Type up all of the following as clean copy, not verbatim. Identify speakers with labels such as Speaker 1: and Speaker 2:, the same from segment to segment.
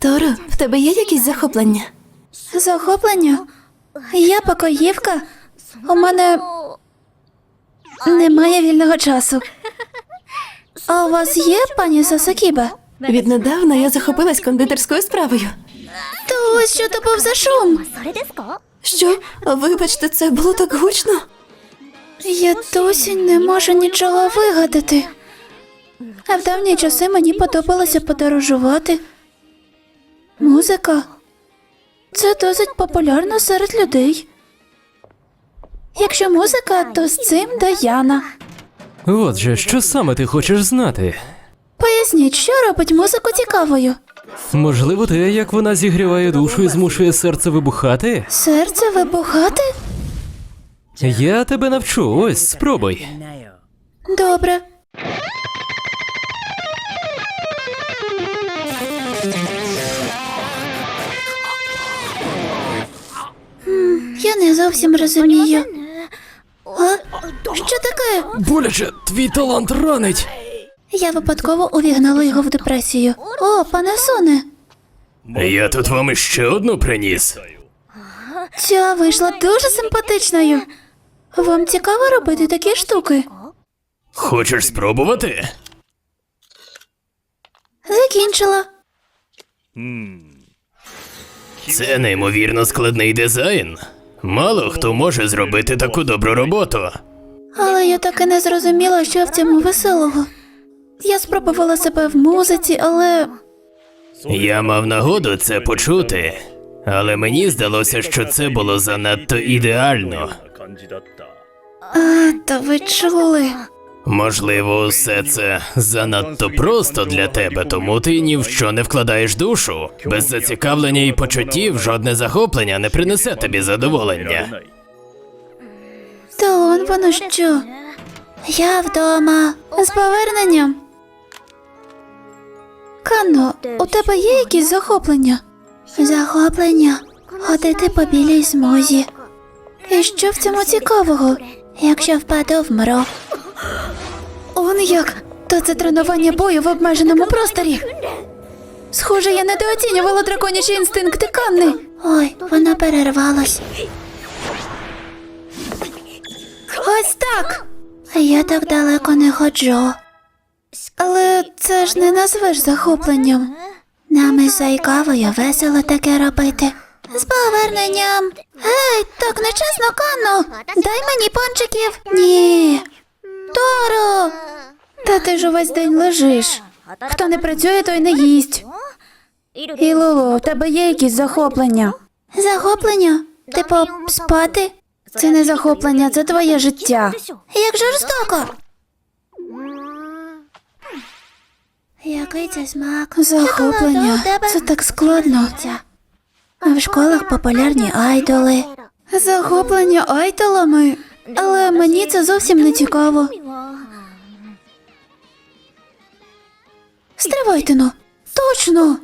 Speaker 1: Торо, в тебе є якісь захоплення?
Speaker 2: Захоплення? Я покоївка. У мене немає вільного часу. А у вас є, пані Сасакіба?
Speaker 1: Віднедавна я захопилась кондитерською справою.
Speaker 2: То ось що то був за шум.
Speaker 1: Що? Вибачте, це було так гучно.
Speaker 2: Я досі не можу нічого вигадати. А в давні часи мені подобалося подорожувати. Музика. Це досить популярно серед людей. Якщо музика, то з цим Даяна.
Speaker 3: Отже, що саме ти хочеш знати?
Speaker 2: Поясніть, що робить музику цікавою?
Speaker 3: Можливо, те, як вона зігріває душу і змушує серце вибухати?
Speaker 2: Серце вибухати?
Speaker 3: Я тебе навчу, ось, спробуй.
Speaker 2: Добре. Я не зовсім розумію. А? Що таке?
Speaker 3: Боляче, твій талант ранить.
Speaker 2: Я випадково увігнала його в депресію. О, пане Соне,
Speaker 3: Я тут вам іще одну приніс.
Speaker 2: ця вийшла дуже симпатичною. Вам цікаво робити такі штуки?
Speaker 3: Хочеш спробувати?
Speaker 2: Закінчила.
Speaker 3: Це неймовірно складний дизайн. Мало хто може зробити таку добру роботу.
Speaker 2: Але я так і не зрозуміла, що в цьому веселого. Я спробувала себе в музиці, але
Speaker 3: Я мав нагоду це почути, але мені здалося, що це було занадто ідеально.
Speaker 2: то ви чули.
Speaker 3: Можливо, все це занадто просто для тебе, тому ти ні в що не вкладаєш душу. Без зацікавлення і почуттів жодне захоплення не принесе тобі задоволення.
Speaker 2: То воно що? Я вдома. З поверненням. Кано, у тебе є якісь захоплення? Захоплення? Ходити по білій смузі. І що в цьому цікавого? Якщо впаду, вмру. Он як? То це тренування бою в обмеженому просторі. Схоже, я недооцінювала драконячі інстинкти Канни. Ой, вона перервалась. Ось так. Я так далеко не ходжу. Але це ж не назвеш захопленням. Нам із Зайкавою весело таке робити. З поверненням. Гей, так нечесно, Канно. Дай мені пончиків. Ні. Торо. Та ти ж увесь день лежиш. Хто не працює, той не їсть. І Лулу, в тебе є якісь захоплення? Захоплення? Типу, спати? Це не захоплення, це твоє життя. Як жорстоко. Який це смак? Захоплення. Це так складно. А в школах популярні айдоли. Захоплення айдолами? Але мені це зовсім не цікаво. Стривайте ну. Точно.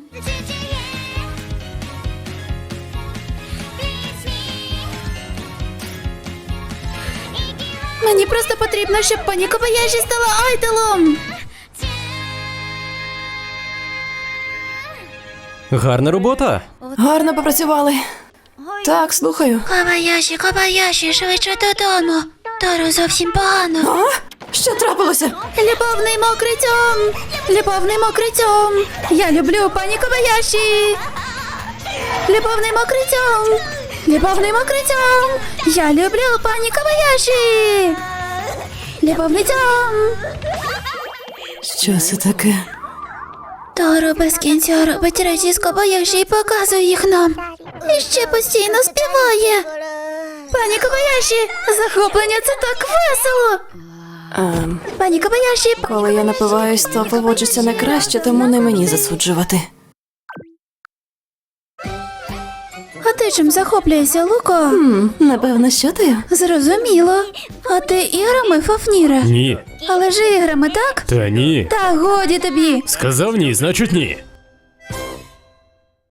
Speaker 2: Мені просто потрібно, щоб пані Кобаяші стала айдолом.
Speaker 3: Гарна робота.
Speaker 1: Гарно попрацювали. Так, слухаю.
Speaker 2: Кобаяші, швидше додому. Торо зовсім погано.
Speaker 1: А? Що трапилося?
Speaker 2: Любовний мокрий цьом! Любовний мокрий цьом! Я люблю пані Кобаяші! Любовний мокрий цьом! Любовний мокрий цьом! Я люблю пані Кобаяші! Любовний цьом!
Speaker 1: Що це таке?
Speaker 2: Торо без кінця робить речі з Кобаяші і показує їх нам. І ще постійно співає. Пані Кобаяші, захоплення це так весело! Пані Кобаяші,
Speaker 1: Коли я напиваюсь, то поводжуся не краще, тому не мені засуджувати.
Speaker 2: а ти чим захоплюєшся, Луко?
Speaker 1: Напевно, що ти?
Speaker 2: Зрозуміло. А ти іграми, Фафніре?
Speaker 3: Ні.
Speaker 2: Але ж іграми, так?
Speaker 3: Та ні.
Speaker 2: Та годі тобі.
Speaker 3: Сказав ні, значить ні.